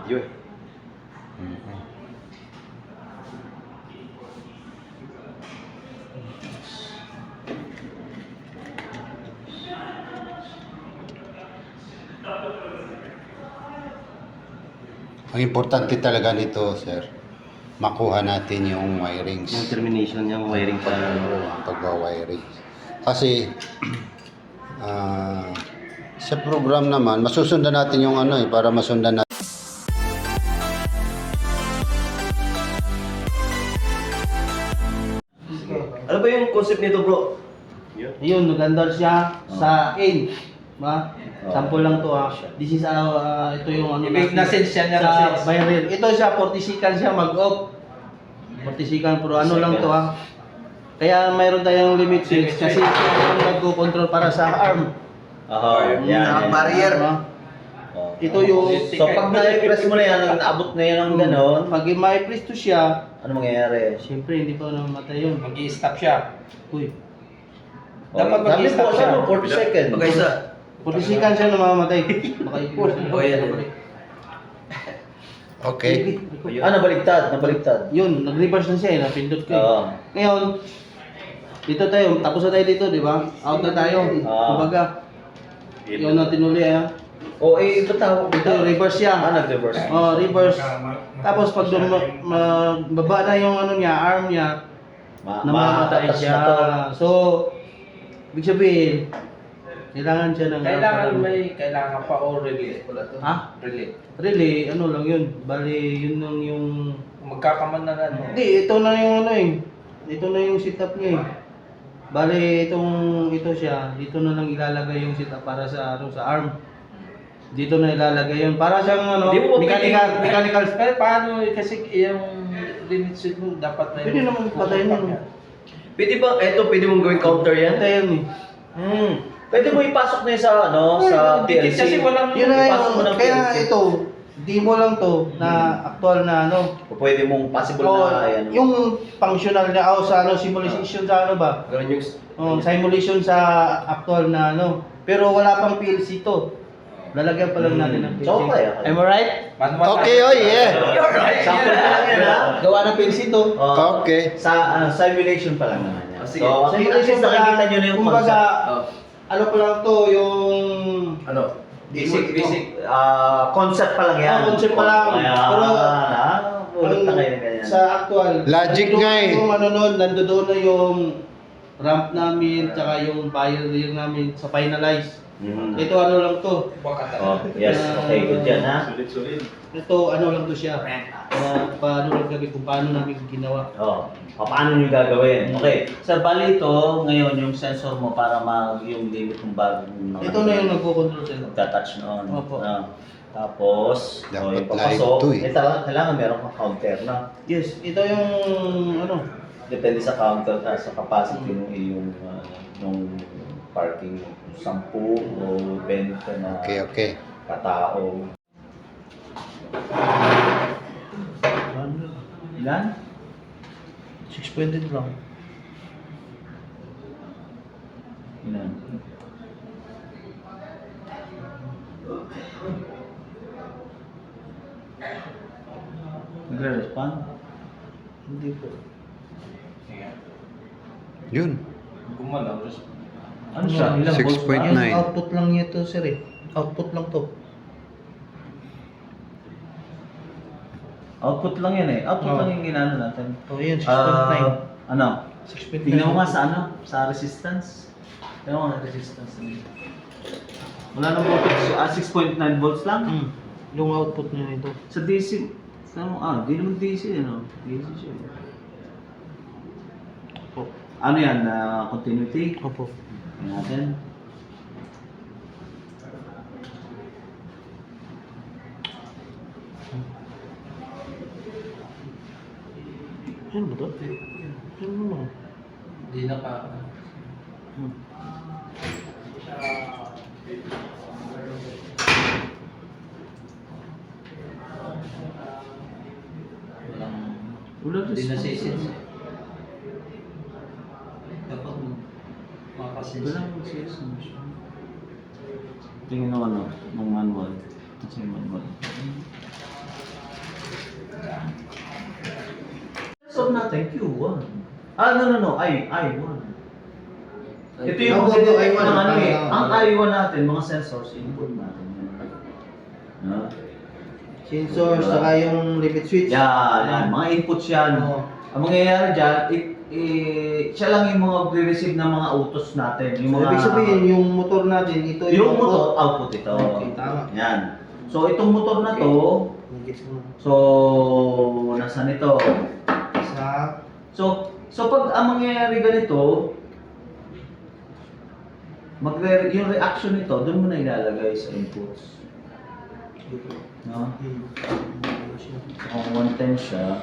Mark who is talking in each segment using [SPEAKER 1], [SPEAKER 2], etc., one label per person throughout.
[SPEAKER 1] video eh.
[SPEAKER 2] Ang importante talaga nito, sir, makuha natin yung wirings.
[SPEAKER 1] Yung termination yung wiring pa.
[SPEAKER 2] Ang pagwa-wiring. Kasi sa program naman, masusundan natin yung ano para masundan natin.
[SPEAKER 1] Ano ba yung concept nito, bro?
[SPEAKER 3] Yun, nag-andar siya sa in. Ba? Sample lang to ha. This is ito yung ano
[SPEAKER 4] Na-sense siya niya
[SPEAKER 3] sa
[SPEAKER 4] kasi.
[SPEAKER 3] viral. Ito siya 40 seconds siya mag-off. 40 seconds pero ano lang to ha. Kaya mayroon tayong limit switch kasi ito yung nagko-control para sa arm.
[SPEAKER 1] Yan.
[SPEAKER 3] Barrier. Ito yung
[SPEAKER 1] So pag na-press mo na yan, naabot na yan ng gano'n,
[SPEAKER 3] pag ma-press to siya,
[SPEAKER 1] ano mangyayari?
[SPEAKER 3] siyempre hindi pa namatay yun.
[SPEAKER 4] Mag-i-stop siya.
[SPEAKER 3] Uy.
[SPEAKER 4] Dapat mag-i-stop
[SPEAKER 1] siya.
[SPEAKER 4] siya.
[SPEAKER 1] 40 seconds.
[SPEAKER 4] Mag-isa.
[SPEAKER 3] 40 seconds siya namamatay. Baka ipos.
[SPEAKER 2] Okay.
[SPEAKER 1] Nabaligtad.
[SPEAKER 3] Yun, nag-reverse na siya eh, napindot ko eh.
[SPEAKER 1] Oo.
[SPEAKER 3] Ngayon, dito tayo, tapos na tayo dito, di ba? Out na tayo. Kumbaga, yun na tinuli ah.
[SPEAKER 1] Ba't tawag
[SPEAKER 3] Ito, reverse siya.
[SPEAKER 1] nag-reverse.
[SPEAKER 3] Reverse. Tapos pag baba na yung ano niya, arm niya, namamatay
[SPEAKER 1] Matatas
[SPEAKER 3] siya.
[SPEAKER 1] na to.
[SPEAKER 3] So, ibig sabihin, kailangan siya ng...
[SPEAKER 4] Kailangan pa o relay. Wala to.
[SPEAKER 3] Ha?
[SPEAKER 4] Relay.
[SPEAKER 3] Really, ano lang yun. Bali, yun lang yung...
[SPEAKER 4] Magkakaman na ano.
[SPEAKER 3] Hindi, ito na yung ano eh. Ito na yung setup niya eh. Bali, ito siya. Dito na lang ilalagay yung setup para sa arm. Dito na ilalagay yun. Para siyang ano,
[SPEAKER 4] Di mo
[SPEAKER 3] mechanical.
[SPEAKER 4] Pero paano kasi yung limit switch mo dapat na
[SPEAKER 3] Pwede naman patayin yun.
[SPEAKER 1] Pwede mong gawing counter yan?
[SPEAKER 3] Ito yan eh.
[SPEAKER 1] Pwede mo ipasok na yun sa, sa
[SPEAKER 4] Dikit
[SPEAKER 1] PLC.
[SPEAKER 4] kasi walang
[SPEAKER 3] Yun na
[SPEAKER 1] ipasok mo
[SPEAKER 3] yun.
[SPEAKER 1] ng
[SPEAKER 3] Kaya
[SPEAKER 1] PLC.
[SPEAKER 3] ito, demo lang to na actual na ano.
[SPEAKER 1] O pwede mong possible
[SPEAKER 3] O,
[SPEAKER 1] na yan.
[SPEAKER 3] yung functional na sa ano, simulation sa ano ba?
[SPEAKER 4] Ganun yung
[SPEAKER 3] Simulation sa actual na ano. Pero wala pang PLC to. Lalagyan pa lang natin ng PLC.
[SPEAKER 1] So, kaya.
[SPEAKER 3] Am I right?
[SPEAKER 2] Okay, yeah.
[SPEAKER 1] Sample pa lang yan, ha?
[SPEAKER 3] Gawa ng PLC to.
[SPEAKER 2] Okay.
[SPEAKER 1] Sa simulation pa lang naman yan.
[SPEAKER 4] Sige.
[SPEAKER 1] So, at least nakikita nyo na yung
[SPEAKER 3] kumbaga,
[SPEAKER 1] concept.
[SPEAKER 3] ano pa lang to, yung...
[SPEAKER 4] Ano? Basic.
[SPEAKER 1] Concept pa lang yan.
[SPEAKER 3] Concept pa lang. Pero,
[SPEAKER 1] ulit na kayo na ganyan.
[SPEAKER 3] sa actual,
[SPEAKER 2] Logic nga eh.
[SPEAKER 3] Yung ano nun, nandoon na yung ramp namin, tsaka yung barrier namin sa finalize. Ito ano lang to.
[SPEAKER 1] Yes, okay, good yan, ha?
[SPEAKER 3] Ito ano lang to siya. Paano lang kami kung paano namin ginawa.
[SPEAKER 1] Paano nyo gagawin? Okay, sa bali ito, ngayon yung sensor mo para yung limit ng bagong
[SPEAKER 3] Ito na yung nagko-control sa'yo.
[SPEAKER 1] touch noon.
[SPEAKER 3] Opo.
[SPEAKER 2] Dapat
[SPEAKER 1] Tapos, yung
[SPEAKER 2] live
[SPEAKER 1] papasok,
[SPEAKER 2] to eh.
[SPEAKER 1] kailangan meron kang counter na.
[SPEAKER 3] Yes, ito yung ano.
[SPEAKER 1] Depende sa counter, sa capacity ng iyong nung parking, 10 o 20 na
[SPEAKER 2] Okay.
[SPEAKER 1] katao. Ilan?
[SPEAKER 3] 6.8 lang.
[SPEAKER 1] Ilan? Nagre-respond?
[SPEAKER 3] Hindi po.
[SPEAKER 2] Yun.
[SPEAKER 4] Gumalaw.
[SPEAKER 1] Ano siya? Ilang volts ba?
[SPEAKER 2] 6.9.
[SPEAKER 3] Yung output lang niya to sir eh. Output lang to.
[SPEAKER 1] Output lang yan eh. Output lang yung ginano natin.
[SPEAKER 3] Oh, yun, 6.9.
[SPEAKER 1] Ano?
[SPEAKER 3] 6.9.
[SPEAKER 1] Tingnan mo nga sa ano? Sa resistance. Tingnan mo nga resistance. Wala nang voltage. 6.9 volts lang.
[SPEAKER 3] Yung output niya ito.
[SPEAKER 1] Sa DC. Di naman DC ano? DC siya.
[SPEAKER 3] Opo.
[SPEAKER 1] Ano yan? Continuity?
[SPEAKER 3] Opo.
[SPEAKER 1] Tingnan natin.
[SPEAKER 3] Ano ba to? Ano ba?
[SPEAKER 4] Hindi na pa.
[SPEAKER 1] Wala
[SPEAKER 4] Hindi na
[SPEAKER 1] response.
[SPEAKER 4] sisis. Dapat makasense.
[SPEAKER 1] Wala resistance. Tingnan mo ano, ng manual. Kasi manual. natin, Q1. No, I1. Ito yung
[SPEAKER 3] Opo,
[SPEAKER 1] mga
[SPEAKER 3] I1.
[SPEAKER 1] ano eh.
[SPEAKER 3] Ah,
[SPEAKER 1] Ang I1 natin, mga sensors, input natin. No?
[SPEAKER 3] Sensor, saka yung limit switch.
[SPEAKER 1] Yan. Mga inputs yan.
[SPEAKER 3] Oo.
[SPEAKER 1] Ang mangyayari dyan, siya lang yung mga re-receive ng mga utos natin. Yung
[SPEAKER 3] So,
[SPEAKER 1] mga,
[SPEAKER 3] ibig sabihin, yung motor natin, ito
[SPEAKER 1] yung
[SPEAKER 3] output.
[SPEAKER 1] motor, output ito.
[SPEAKER 3] Okay, tama.
[SPEAKER 1] Yan. So, itong motor na to,
[SPEAKER 3] Nag-gets mo.
[SPEAKER 1] so, nasaan ito?
[SPEAKER 3] Sa...
[SPEAKER 1] So pag ang mangyayari ganito, yung reaction nito, doon mo na ilalagay sa inputs. No? Kung 110 siya,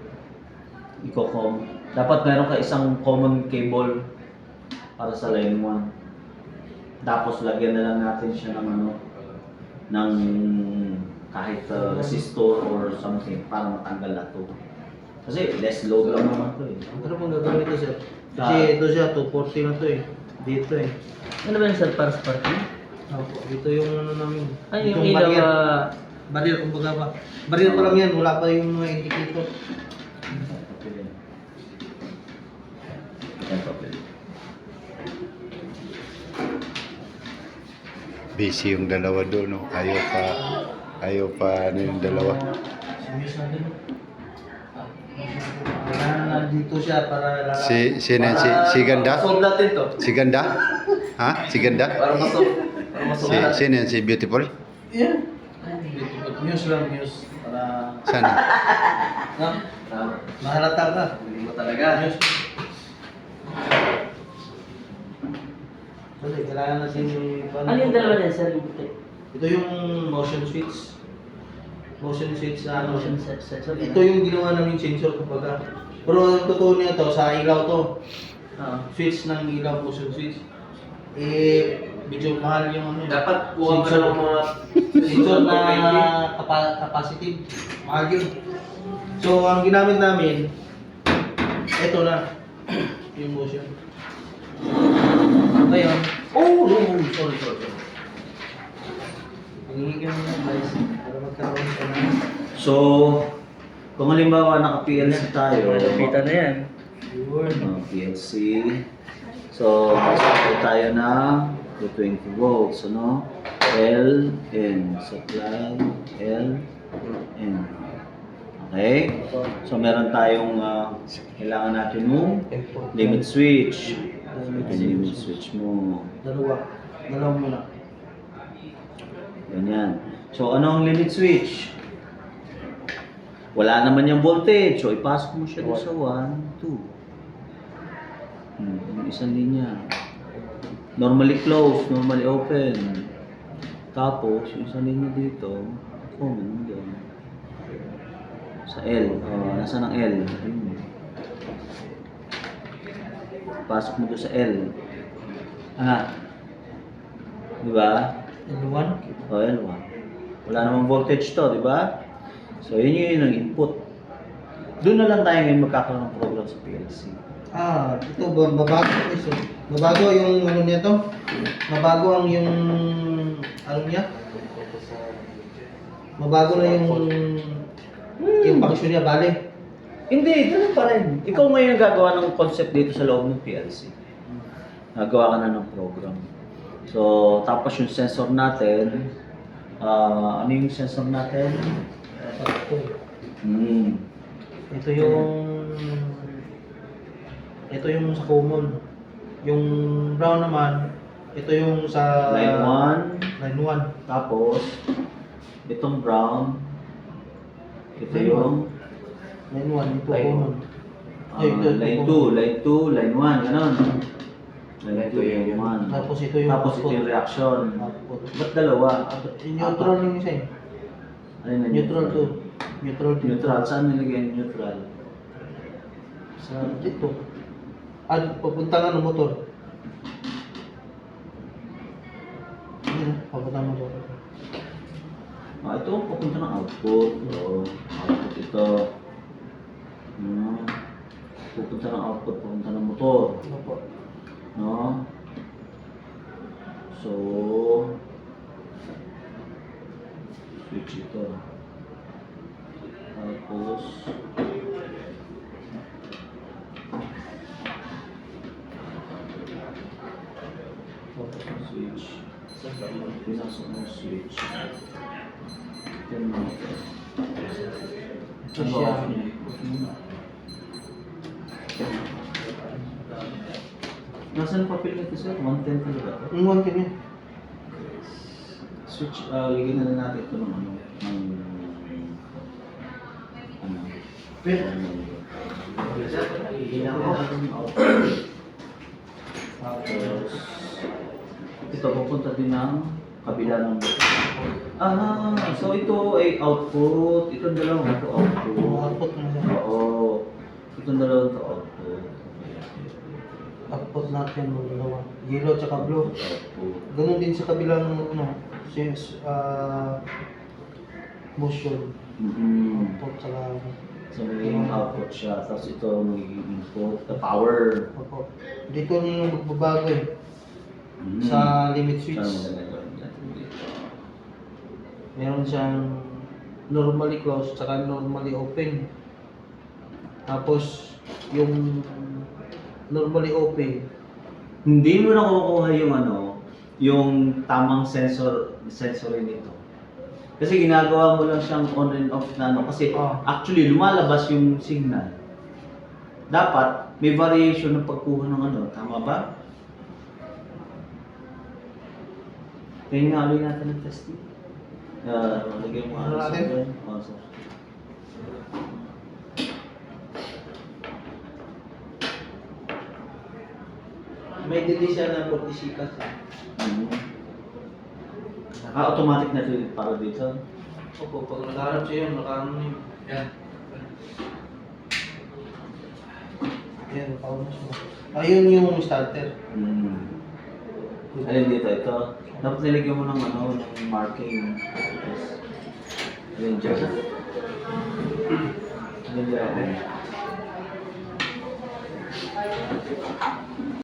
[SPEAKER 1] dapat meron ka isang common cable para sa line 1. Tapos lagyan na lang natin siya ng ng kahit resistor or something para matanggal na to. Kasi less load lang naman to eh.
[SPEAKER 3] Ano pong gagawin ito, sir? Kasi ito siya, 240 na to eh. Dito eh.
[SPEAKER 5] Ano ba yung sir para sa parking?
[SPEAKER 3] Opo, ito yung ano namin.
[SPEAKER 5] Ay, yung
[SPEAKER 3] Itong
[SPEAKER 5] ilaw,
[SPEAKER 3] barrier. Barrier, kumbaga ba? Barrier pa lang yan, wala pa yung mga indicator.
[SPEAKER 2] Busy yung dalawa doon, no? Ayaw pa ano yung dalawa.
[SPEAKER 3] Serious na din. Nandito siya para...
[SPEAKER 2] Si Ganda?
[SPEAKER 1] Solve natin to.
[SPEAKER 2] Si Ganda? Ha? Si Ganda?
[SPEAKER 1] Para masolve.
[SPEAKER 2] Sino yan? Si Beautiful?
[SPEAKER 3] Yeah. News lang, news. Para...
[SPEAKER 2] Sana?
[SPEAKER 3] No? Mahalata ka.
[SPEAKER 1] Hindi mo talaga.
[SPEAKER 3] News. Sorry, kailangan natin yung...
[SPEAKER 5] Ano yung dalawa niya sir? Yung puti?
[SPEAKER 3] Ito yung motion switch. Motion switch na ano.
[SPEAKER 5] Motion sensor.
[SPEAKER 3] Ito yung ginawa namin sensor kumbaga. Pero ang totoo niya to, sa ilaw to. Switch ng ilaw, motion switch. Medyo mahal yung ano.
[SPEAKER 1] Dapat kuha ka ng mga
[SPEAKER 3] sensor na capacitive. Mahal yun. So, ang ginamit namin, ito na. Yung motion. Ngayon, sorry. Hingigyan mo na guys para magkaroon ka na.
[SPEAKER 1] So, kung halimbawa naka-PLC tayo,
[SPEAKER 5] Malapitan na yan.
[SPEAKER 1] PLC. So, supply tayo ng 220 volts, ano? L, N. Supply, L, N. Okay? So, meron tayong kailangan natin ng limit switch. So, ito yung limit switch mo.
[SPEAKER 3] Dalawa muna.
[SPEAKER 1] Ganyan. So, ano ang limit switch? Wala naman yung voltage. So, ipasok mo siya doon sa 1, 2. Yung isang linya. Normally closed, normally open. Tapos, yung isang linya dito, common mo doon. Sa L. Nasaan ang L? Ayun. Pasok mo doon sa L. Di ba?
[SPEAKER 3] L1?
[SPEAKER 1] L1. Wala namang voltage to, di ba? So, yun ang input. Doon na lang tayo ngayon magkakaroon ng program sa PLC.
[SPEAKER 3] Ito babago ito. Mabago yung ano niya to. Mabago ang yung ano niya. Mabago na yung function niya, bale.
[SPEAKER 1] Hindi, ganun pa rin. Ikaw ngayon ang gagawa ng concept dito sa loob ng PLC. Nagawa ka na ng program. So, tapos yung sensor natin, ano yung sensor natin?
[SPEAKER 3] Ito yung sa common. Yung brown naman, ito yung sa
[SPEAKER 1] Line 1.
[SPEAKER 3] Line 1.
[SPEAKER 1] Tapos, itong brown. Ito yung
[SPEAKER 3] Line 1, ito
[SPEAKER 1] Line
[SPEAKER 3] common.
[SPEAKER 1] line 2, line 2, line 1, gano'n. Line 2, line 1.
[SPEAKER 3] Tapos ito yung
[SPEAKER 1] Tapos ito yung reaction.
[SPEAKER 3] output.
[SPEAKER 1] Ba't dalawa?
[SPEAKER 3] Yung neutral yung isa eh.
[SPEAKER 1] Ano na
[SPEAKER 3] Neutral to. Neutral to.
[SPEAKER 1] Neutral. Saan nilagay yung neutral?
[SPEAKER 3] Sa dito. Papunta nga ng motor. Ayan, papunta ng motor.
[SPEAKER 1] Ito, papunta ng output. Output ito. Pupunta ng output, papunta ng motor.
[SPEAKER 3] Ano po?
[SPEAKER 1] No? So, switch ito. Tapos, Pinasok mo switch. Turn on ito.
[SPEAKER 3] Ito siya.
[SPEAKER 1] Nasaan papel nito sir? 110 talaga ito?
[SPEAKER 3] Yung one niya.
[SPEAKER 1] Switch, ligyan na lang natin ito ng ano, ano, tapos, ito pupunta din ng kabila ng so ito ay output, itong dalawang ito output.
[SPEAKER 3] Output na siya.
[SPEAKER 1] Oo, itong dalawang ito output.
[SPEAKER 3] Output natin yung dalawa. Yellow tsaka blue.
[SPEAKER 1] Output.
[SPEAKER 3] Ganun din sa kabilang ano, since motion. Output tsaka
[SPEAKER 1] So magiging output siya, tapos ito magiging input, the power.
[SPEAKER 3] output. Dito yung magbabago eh. Sa limit switch. Meron siyang normally closed tsaka normally open. Tapos yung normally open,
[SPEAKER 1] Hindi mo na kukuha yung ano, yung tamang sensory nito. Kasi ginagawa mo lang siyang on and off na ano, kasi actually lumalabas yung signal. Dapat may variation ng pagkuha ng ano, tama ba? Kaya nga ulit natin ng testing. Lagyan mo
[SPEAKER 3] Ano natin?
[SPEAKER 1] sir. Oh, sir.
[SPEAKER 3] may delay siya na 40 sikas.
[SPEAKER 1] Automatic na ito para dito.
[SPEAKER 3] Opo, pag nakaharap siya yun, nakaano yun.
[SPEAKER 4] Yan.
[SPEAKER 3] Yan, nakaano siya. Ayun yung starter.
[SPEAKER 1] Alin dito, ito. Dapat nilagyan mo ng ano, ng marking. Alin dyan. Alin dyan.